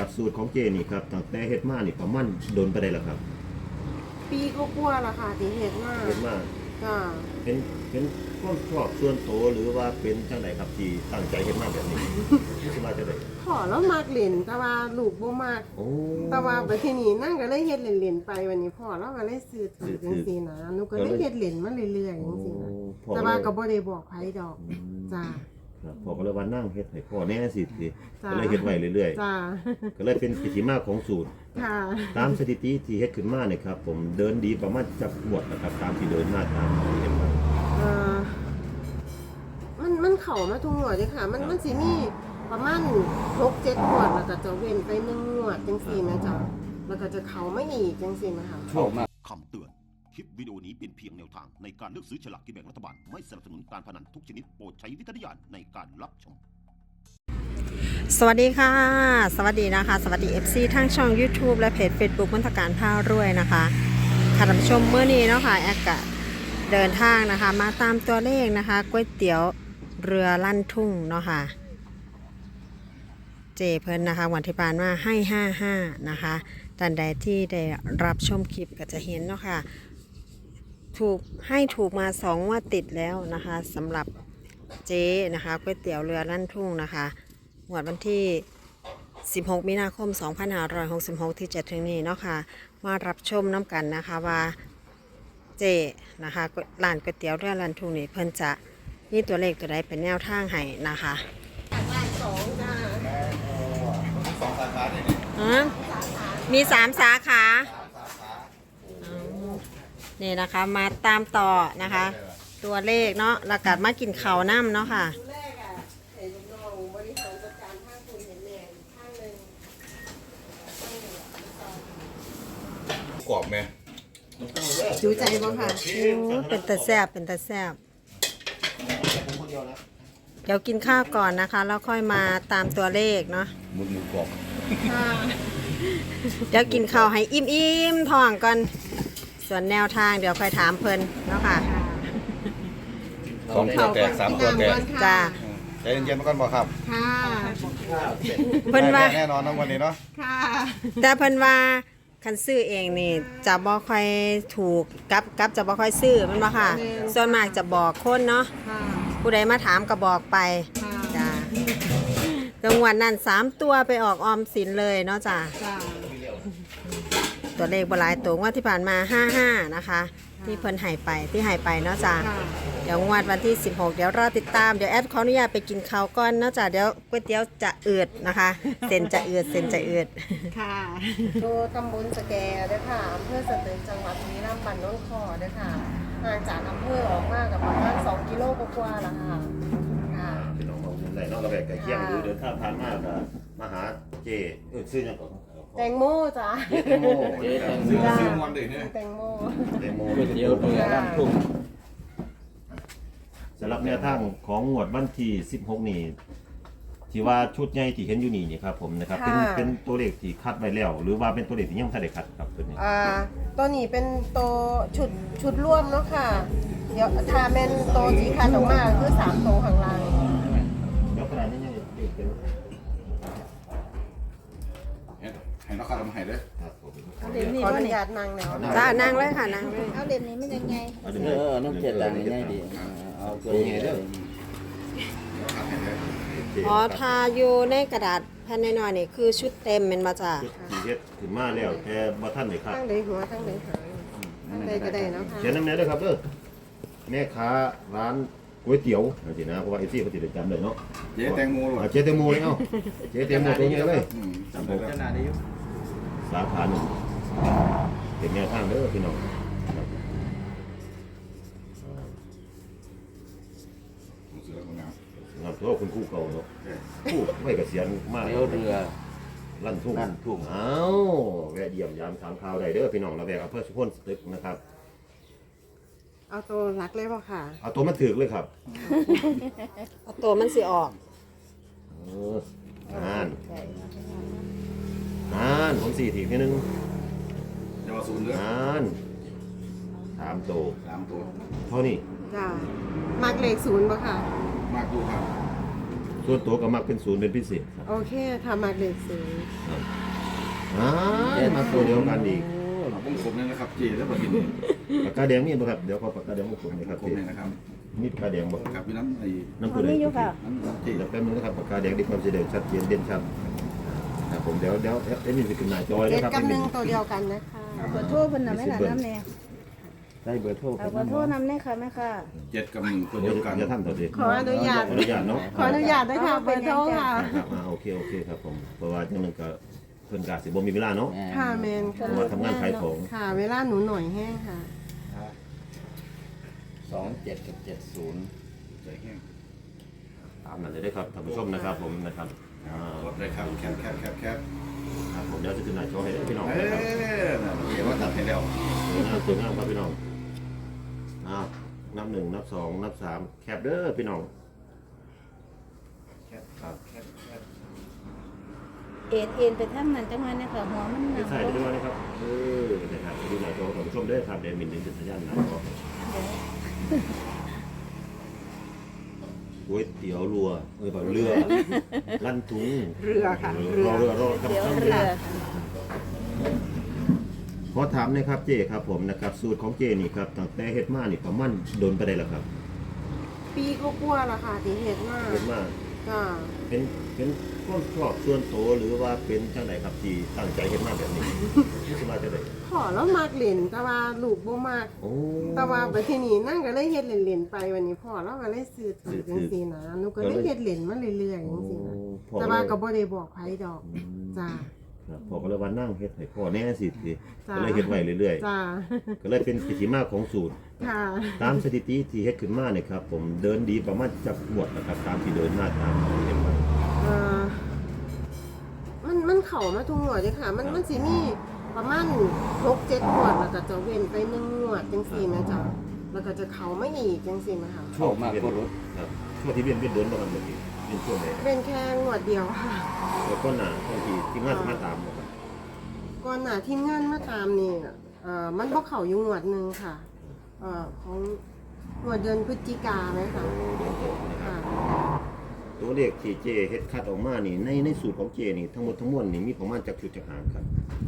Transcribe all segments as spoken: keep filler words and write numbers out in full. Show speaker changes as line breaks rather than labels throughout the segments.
ครับสูตรของเจนี่ครับตั้งแต่เฮ็ดมานี่ประมาณโดนไปได้แล้วครับ
ปีก็กลัวละค่ะที่เห็ดมาก
เฮ็ดมา
จ้า
เป็นเป็นความชอบส่วนตัวหรือว่าเป็นจังไดครับที่ตั้งใจเฮ็ดมาแบบนี้รู้สึกว่าจะได้
ขอแล้วมากเล่นแต่ว่าลูกบ่มาก
โอ้
แต่ว่าไปที่นี่นั่งก็เลยเฮ็ดเล่นๆไปวันนี้พ่อเราก็เลยซื้อถือจังซี่นะหนูก็เลยเฮ็ดเล่นมาเรื่อยๆจังซี่นะแต่ว่าก็บ่ได้บอกไผดอกจ้า
ครับพ่อก็เลยว่านั่งเฮ็ดให้พ่อแน่สิสิ
จ้า
ก็เลยเฮ็ดไว้เรื่อย
จ้า
ๆก็เลยเป็นกิจมาของสูตร
ค่ะ
ตามสถิติที่เฮ็ดขึ้นมาเนี่ยครับผมเดินดีประมาณจักงวดนะครับตามที่เดินมาตามที่เฮ็ดมา
เอ่อมันมันเข้ามาทุกงวดเลยค่ะ มันมันสิมีประมาณหกเจ็ดงวดแล้วก็จะเว้นไปหนึ่งงวดจังซี่นะจ๊ะแล้วก็จะเข้ามาอีกจังซี่นะคะ
เข้ามา
คำเตือน คลิปวิดีโอนี้เป็นเพียงแนวทางในการเลือกซื้อฉลากกินแบ่งรัฐบาล ไม่สนับสนุนการพนันทุกชนิดโปรดใช้วิจารณญาณในการรับชม
สวัสดีค่ะสวัสดีนะคะสวัสดี เอฟ ซี ทั้งช่อง YouTube และเพจ Facebook มนตการผ้ารวยนะคะค่ะท่านผู้ชมเมื่อนี้เนาะค่ะแอดกะเดินทางนะคะมาตามตัวเลขนะคะก๋วยเตี๋ยวเรือลั่นทุ่งเนาะค่ะเจเพิ่นนะคะวันที่ผ่านมาให้ห้าห้านะคะท่านใดที่ได้รับชมคลิปก็จะเห็นเนาะค่ะถูกให้ถูกมาสองงวดติดแล้วนะคะสำหรับเจนะคะก๋วยเตี๋ยวเรือลั่นทุ่งนะคะงวดวันที่สิบหกมีนาคมสองพันห้าร้อยหกสิบหกที่จะถึงนี้เนาะค่ะมารับชมน้ำกันนะคะว่าเจนะคะร้านก๋วยเตี๋ยวเรือลั่นทุ่งนี่เพิ่นจะมีตัวเลขตัวใดเป็นแนวทางให้นะคะ
สองจ้า
สองสาขาเนี่ย
อ๋อมีสามสาขาอ๋อนี่นะคะมาตามต่อนะคะ ตัวเลขเนาะแล้วก็มากินข้าวน้ำเนาะค่ะ
แรกอ่ะเห็นน้องบริหารจัดการข้างคุณเห็นแหน่ข้างหนึ่ง
กรอบไหม
ดูใจบ่ค่ะ
โอ้เป็นตาแซบเป็นตาแซบเดี๋ยวกินข้าวก่อนนะคะแล้วค่อยมาตามตัวเลขเนาะ
หมุนหมูกรอบ
ค่ะ
เดี๋ยวกินข้าวให้อิ่มๆท้องก่อนส่วนแนวทางเดี๋ยวค่อยถามเพิ่นเนาะค่ะ
สองตัวแตกสามตัวแตก
จ้า
ใจเย็นๆมาก่อนบ่ครับ
ค่ะ
เพิ่นว่า
แน่นอนนะวันนี้เนาะ
ค่ะ
แต่เพิ่นว่าคันซื้อเองนี่จะบ่ค่อยถูกกับกับจะบ่ค่อยซื้อแมันบ่ค่ะ ส่วนมากจะบอกคนเนาะ
ค่ะ
ผู้ใดมาถามก็บอกไป
ค่ะ
จ้าจังหวัดนั้นสามตัวไปออกออมสินเลยเนาะจ้า
จ้า
ตัวเลขบ่หลายตัวงวดที่ผ่านมาห้าห้านะคะ ที่เพิ่นให้ไปที่ให้ไปเนาะจ้า
ค่ะ
เดี๋ยวงวดวันที่สิบหกเดี๋ยวรอติดตามเดี๋ยวแอดขออนุญาตไปกินข้าวก่อนเนาะจ้าเดี๋ยวก๋วยเตี๋ยวจะอืดนะคะเส้นจะอืดเส้นจะอืด
ค่ะโดตำบลสแกเด้อค่ะอำเภอสตึกจังหวัดบุรีรัมย์บ้านโน้นคอเด้อค่ะห่างจากอำเภอออกมากับประมาณสองกิโลกว่าๆละค่ะค่ะ
พี่น้องมองมุมไหนเนาะก็แบบใกล้เคียงหรือเดินทางผ่านมาก็มาหาเจเออซื้อหยังก่อน
แตงโมจ้า
เจแตงโม
ซื้อซื้อมวนเลยเนี่ย
แตงโม
แตงโม
ก๋วยเตี๋ยวเรือร้านทุ่ง
สำหรับแนวทางของงวดวันที่สิบหกนี่ที่ว่าชุดใหญ่ที่เห็นอยู่นี่นี่ครับผมนะครับเป็นเป็นตัวเลขที่คัดไว้แล้ว หรือว่าเป็นตัวเลขที่ยังไม่ได้คัดครับตัวนี้
อ่าตัวนี้เป็นตัวชุดชุดร่วมเนาะค่ะ เดี๋ยวถ้าเป็นตัวสีคันออกมาคือสามตัวข้างล่าง
เดี๋ยวขนาดนี้ยังเด็กเป็น
ให้นักข่าวทำให้เลย
ครับผม
ขออนุญาตนั่งแล้ว
จ้านั่งเลยค่ะนั่งเลย
เอาเล่มนี้มันยังไง
เออน้องเจ็ดตังค์ง่ายดีเอาตัวนี้เด้อ
ทำให้เลย
อ๋อทาอยู่ในกระดาษแผ่นน้อยๆนี่คือชุดเต็มเป็นมาจ้า
ชุดที่เฮ็ดขึ้นมาแล้วแต่บ่ทันได้คัด
ทั้งใดหัวทั้งใดหางทั้งใดก็ได้เนาะค่ะ
เขียนน้ำแน่ด้วยครับเด้อแม่ค้าร้านก๋วยเตี๋ยวจริงนะเพราะว่าเอฟซีเขาติดจำเลยเนาะ
เจ๊แตงโมหรอ
เจ๊แตงโมเลยเอ้าเจ๊แตงโมตรงนี้เลย
จำได้ขนาดนี้
สาขาหนึ่งเป็นแนวทางเด้อพี่น้อง
เสือคนงาม
งานตัวคุณครู่เก่าเนาะครู่ไม่เกษียณมากเรือลั่นทุ่งลั่นทุ่งเอ้าแวะเยี่ยมยามถามข่าวได้เด้อพี่น้องระแวกอำเภอสุพรรณสตึกนะครับ
เอาตัวรักเลยป่ะค่ะ
เอาตัวมันถือเลยครับ
เอาตัวมันสิออก
เอออ่านอ่านผมสี่ทีทีนึง
จะมาศูนย์เรื่อง
อ่านสามโต
สามตัว
เท่านี้
จ้ามักเลขศูนย์ป่ะค่ะ
มากดูครับ
ส่วนตัวก็มักเป็นศูนย์เป็นพิเศษครับ
โอเคค่ะมาเลขศูนย์
ครับอ่ามาตัวเดียวกันอีก
เอาวงกลมนี่นะครับเจแล้วบัดนี้
ปากกาแดงมีบ่ครับเดี๋ยวขอปากกาแดงมาผมหน่อยครับ
กลมนี่นะครับ
มีปากกาแดงบ่
ครับพี่น้ำไอ้
น้ำผู้ใด
มีอยู่ค่ะ
น้ำเจ
เดี๋ยวแป๊บนึงนะครับปากกาแดงที่ความสีแดงชัดเจนเด่นชัดครับผมเดี๋ยวเดี๋ยวเอ็มมีสิขึ้นหน้าจอ
เจ็
นะ
ด
ครับ
กับหนึ่งตัวเดียวกันนะคะ
เอาเบอร์โทรเพิ่นน่ะแม่ล่ะน้ำแน่
ได้เบอร์โทร
เอาเบอร์โทรนำแน่ค่ะแม่ค่ะ
เจ็ดกับหนึ่งตัว
เดี๋
เดี
ย
ยว วกัน
จะทำต่อสิ
ขออนุญาต
ขออนุญาตเนาะ
ขออนุญาตด้วยค่ะเบอร์โทรค่ะ
ครับอ่าโอเคโอเคครับผมเพราะว่าจังนึงก็เพิ่นกาสิบ่มีเวลาเนาะ
ค่ะแมน
เพ
ค่ะ
ราะว่าทำงานขายของ
ค่ะ เวลาหนูหน่อยแห้งค่ะ
สองเจ็ดกับเจ็ดศูนย์
ใจแห้ง
ตามนั้นเลยได้ครับท่านผู้ชมนะครับผมนะครับอ่าก
ดเลยครับแคบแคบแคบแคบ
ครับผมเดี๋ยวจะขึ้นหน้าจอให้พี่น้อง
เอ้
นะครับ
ยน่ะเดี๋ยวว่าตัดให้แล้ว
สวยงามสวยงามครับพี่น้องอ้าวนับหนึ่งนับสองนับสามแคปเด้อพี่น้อง
แคบครับแคบแคบ
เอ็นเอ็นไปทางนั้นจังหวะนี้ค่ะหัวมันห
ไม่
นัก
ใช่ด้วยนะครับเออนะครับดูหน้าจอท่านผู้ชมเด้อครับเดี๋ยวมินดึงสัญญาณหน้าจอก๋วยเตี๋ยวรัวเออแบบเรือลั่นทุง
เรือค่ะ
รอเรือรอครับ
เดี๋ยวเรือ
ขอถามหนะครับเจครับผมนะครับสูตรของเจนี่ครับตั้งแต่เฮ็ดมานี่ประมาณโดนไปได้แล้วครับ
ปีก็กลัวละค่ะที่เห็ดมาก
เฮ็ดมา
จ้า
เป็นเป็นความชอบส่วนตัวหรือว่าเป็นจังไดครับที่ตั้งใจเฮ็ดมาแบบนี้ที่สิมาจะได้
ขอแล้วมากเล่นแต่ว่าลูกบ่มาก
โอ้
แต่ว่าไปที่นี่นั่งก็เลยเฮ็ดเล่นๆไปวันนี้พ่อเราก็เลยซื้อถือจังซี่นะหนูก็เลยเฮ็ดเล่นมาเรื่อยๆจังซี่นะ
พ่อ
แต่ว่าก็บ่ได้บอกไผดอกจ้า
ครับพ่อก็เลยว่านั่งเฮ็ดให้พ่อแน่สิสิ
จ้ะ
ก็เลยเฮ็ดไว้เรื่อย
จ้า
ๆก็เลยเป็นกิจมาของสูตร
ค่ะ
ตามสถิติที่เฮ็ดขึ้นมาเนี่ยครับผมเดินดีประมาณจักงวดนะครับตามที่เดินมาตามที่เฮ็ดมา
เอ่อมันมันเข้ามาทุกงวดเลยค่ะ มันมันสิมีประมาณหกเจ็ดงวดแล้วก็จะเว้นไปหนึ่งงวดจังซี่นะจ๊ะแล้วก็จะเข้ามาอีกจังซี่นะคะ
เข้ามากก็รถ
ครับช่วงที่เวียนเวียนเดินบ่กันบ่ทีเป็นช่วงไหน
เป็นแค่งวดเดียวค่ะ
แล้วก็หน้าบางทีที่งานสมาตามบ่ครับ
ก่อนหน้าทีมงานมาตามนี่เอ่อมันบ่เข้าอยู่งวดหนึงค่ะเอ่อของงวดเดือนพฤศจิกาไหมคะ
เดือนหกนะครับ
ค่ะ
ตัวเลขที่เจเฮ็ดคัดออกมานี่ในในสูตรของเจนี่ทั้งหมดทั้งมวลนี่มีประมาณจักชุดจักหางครับ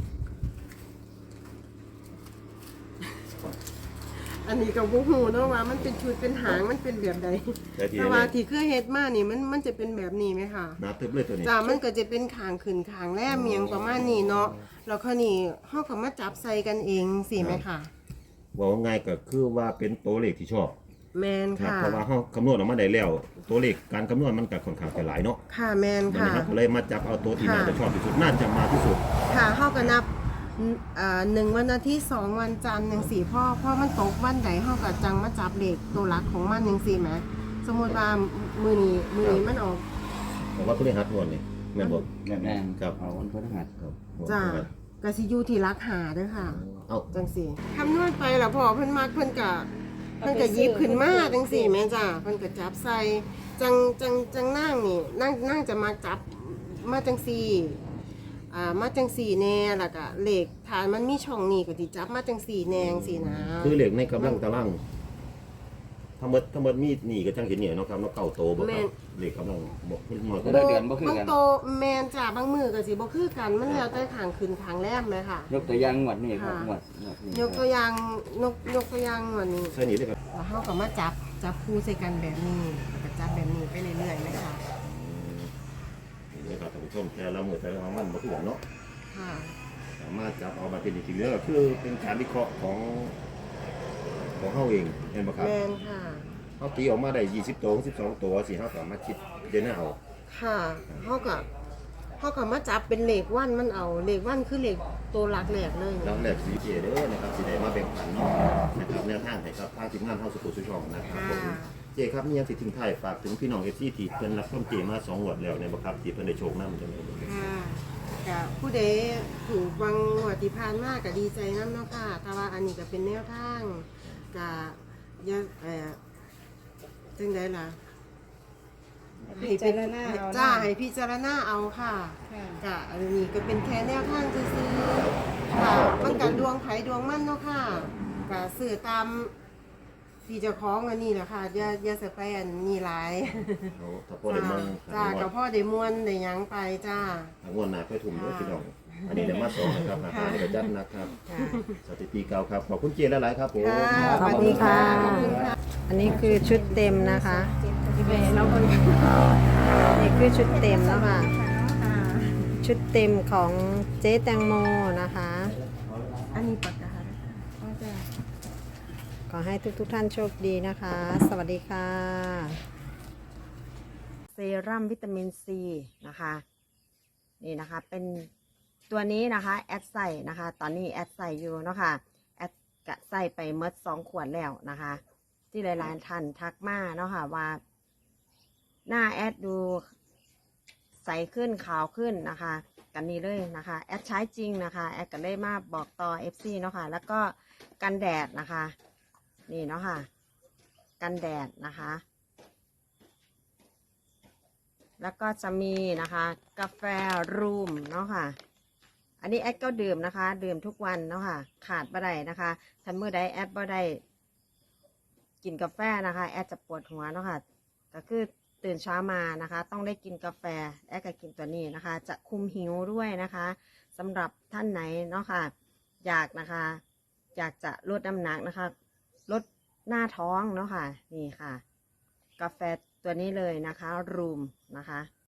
อันนี้ก็บ่ฮู้เนาะว่ามันเป็นชุดเป็นหางมันเป็นแบบใด
แต่ที่
แต่ว่า
นี่
ที่เคยเฮ็ดมานี่มันมันจะเป็นแบบนี้ไหมคะ
หนาตึบเลยตัวนี้
จ้ามันก็จะเป็นขางขึ้นขางแลมเมียงประมาณนี้เนาะแล้วคราวนี้เฮาก็มาจับใส่กันเองสิไหมคะ
ว่าง่ายก็คือว่าเป็นตัวเลขที่ชอบ
แมน
ครับ
ค่ะ
เพราะว่าเฮาคำนวณออกมาได้แล้ว ตัวเลขการคำนวณมันก็ค่อนข้างจะหลายเนาะ
ค่ะแมน
มัน
ค่ะ
นะครับก็เลยมาจับเอาตัวที่
ค่ะ
น่าจะชอบที่สุดน่าจะมาที่สุด
ค่ะเฮาก็นับอ่าหนึ่งวันอาทิตย์สองวันจันทร์จังสี่พ่อพ่อมันตกวันใดเฮาก็จังมาจับเลขตัวหลักของมันจังสี่แหมสมมุติว่ามื้อนี้มื้อนี้มันออก
ผมว่าพฤหัสงวดนี่แม่นบ่
แน่น
แม่น
ครับ
เอาวันพฤหัส
ครับ
จ้าก็สิอยู่ที่หลักหาเด้อค่ะ
เอ้า
จังสี่คำนวณไปแล้วพอเพิ่นมักเพิ่นก็เพิ่นก็หยิบขึ้นมาจังสี่แม่จ้าเพิ่นก็จับใส่จังจังจังนั่งนี่นั่งนั่งจะมาจับมาจังสี่อ่ามาจังสี่แน่แล้วก็เลขฐานมันมีช่องนี้ก็สิจับมาจังสี่แนจังสี่นะ
คือเลขในกำลังตารางทั้งหมดทั้งหมดมีนี่ก็จังเห็นเนี่ยเนาะครับเนาะเก้าโตบ่ครับเลขกำลังบ่ขึ้นมาก็
บ่
ได้
เดือนบ่คือ
บาง
กัน
โตแม่นจ้าบางมือก็สิบ่คือกันมันแล้วแต่ขางขึ้นขางแรมไหมค่ะ
ยกตัวอย่างงวดนี้ครับ
ค่ะ
งวดงวดนี้
ยกตัวอย่างยกยกตัวอย่างวันนี้
ใช่นี่เลยครับ
แล้วเขาก็มาจับจับคู่ใส่กันแบบนี้แล้วก็จับแบบนี้ไปเรื่อยๆไหมคะ
นี่นะครับท่านผู้ชมแต่ละมือแต่ละของมันบ่คือกันเนาะ
ค่ะ
สามารถจับเอามาเป็นจริงๆแล้วก็คือเป็นการวิเคราะห์ของของเฮาเองเห็นบ่ครับ
แมนค่ะ
เฮาตีออกมาได้ยี่สิบตัวสิบสองตัวสิเฮาสามารถคิดเด่นเอา
ค่ะเขาก็เขาก็มาจับเป็นเลขวันมันเอาเลขวันคือเลขตัวหลักแหลกเลย
แล้วแรกสีเจเด้อนะครับสิได้มาแบ่งปันเนาะนะครับแนวทางให้ครับทางทีมงานเฮาสุขุสุช่องนะครับผมเจครับมีหยังสิทิ้งท้ายฝากถึงพี่น้อง เอฟ ซี ที่เพิ่นรับชมเจมาสองงวดแล้วเนี่ยบ่ครับที่เพิ่นได้โชคนำจังได๋บ่
ค่ะก็ผู้ใดถูกบางงวดที่ผ่านมาก็ดีใจน้ำเนาะค่ะแต่ว่าอันนี้ก็เป็นแนวทางก็อยังเอ่อจังไดล่ะ
พิจารณาเอา
จ้า
เนาะ
ให้พิจารณาเอาค่ะ
ค่ะ
กะอันนี้ก็เป็นแค่แนวทางซื่อๆค่ะมันกันดวงไผดวงมันเนาะค่ะกะสื่อตามที่เจะคล้าของอันนี้แหละค่ะอย่าอย่าสไปอันนี้หลาย
เอาถ้าพ่อได้มั่ง
จ้า
ทางง
กับ
วด
พ่อได้ม่วนได้หยังไปจ้า
ทางงวดหน้าค่อยทุ่มเด้อพี่น้องอันนี้เดี๋ยวมาสองนะครับหาในกระจัดนะครับ
ค่ะ
สถิติเก่าครับขอบคุณเจหลายๆครับผม
ค่ะ
ขอบคุณค่ะ
ขอบคุณค่ะ
อันนี้คือชุดเต็มนะคะ
พี่เบย์เราคน
นี่คือชุดเต็มแล้วค่ะ
ค่ะ
ชุดเต็มของเจ๊แตงโมนะคะ
อันนี้ปากกา
ก็จะ
ขอให้ทุกๆทท่านโชคดีนะคะ สวัสดีค่ะ เซรั่มวิตามินซีนะคะ นี่นะคะเป็นตัวนี้นะคะแอดใส่นะคะ ตอนนี้แอดใส่อยู่เนาะค่ะแอดกะใส่ไปเมดสองขวดแล้วนะคะ ที่หลายๆท่านทักมาเนาะค่ะว่า หน้าแอดดูใสขึ้นขาวขึ้นนะคะกันนี้เลยนะคะแอดใช้จริงนะคะแอดก็เลยมาบอกต่อ เอฟ ซี เนาะค่ะแล้วก็กันแดดนะคะนี่เนาะค่ะกันแดดนะคะ แล้วก็จะมีนะคะกาแฟรูมเนาะค่ะอันนี้แอดก็ดื่มนะคะดื่มทุกวันเนาะค่ะขาดบ่ได้นะคะถ้าเมื่อใดแอดบ่ได้กินกาแฟนะคะแอดจะปวดหัวเนาะค่ะก็คือตื่นเช้ามานะคะต้องได้กินกาแฟแอดก็กินตัวนี้นะคะจะคุมหิวด้วยนะคะสำหรับท่านไหนเนาะค่ะอยากนะคะอยากจะลดน้ำหนักนะคะลดหน้าท้องเนาะค่ะนี่ค่ะกาแฟตัวนี้เลยนะคะรูมนะคะ